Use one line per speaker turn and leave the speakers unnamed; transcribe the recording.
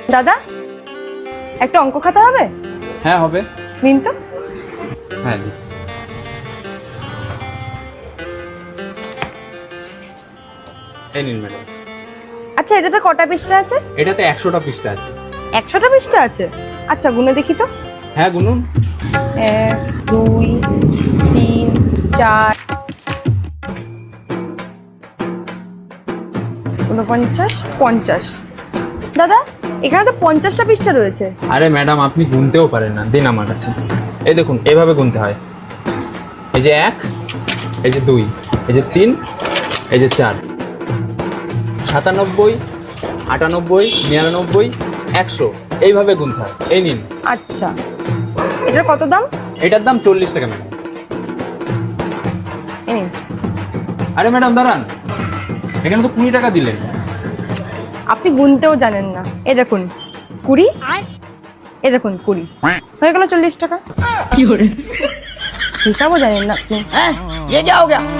দাদা, একটা অঙ্ক খাতা হবে?
হ্যাঁ হবে।
নিন তো।
হ্যাঁ দিচ্ছি। এই নিন ম্যাডাম।
আচ্ছা, এটাতে কটা পৃষ্ঠা আছে?
এটাতে 100টা পৃষ্ঠা আছে।
100টা পৃষ্ঠা আছে? আচ্ছা, গুনে দেখি তো।
হ্যাঁ গুনুন।
1 2 3 4 49 50। দাদা, এখানে তো 50টা পৃষ্ঠা রয়েছে।
আরে ম্যাডাম আপনি গুনতেও পারেন না, দিন আমার কাছে। এই দেখুন এভাবে গুনতে হয়। এই যে 1, এই যে 2, এই যে 3, এই যে 4, 97, 98, 99, 100 এইভাবে গুনতে হয়। এই নিন।
আচ্ছা, এটার কত দাম?
এটার দাম 40 টাকা ম্যাডাম।
এই নিন।
আরে ম্যাডাম দাঁড়ান, এখানে তো 20 টাকা দিলেন।
আপনি গুনতেও জানেন না। এই দেখুন 20, এই দেখুন 20, হয়ে গেল 40 টাকা। হিসাবও জানেন না আপনি।
हैं? ये क्या हो गया?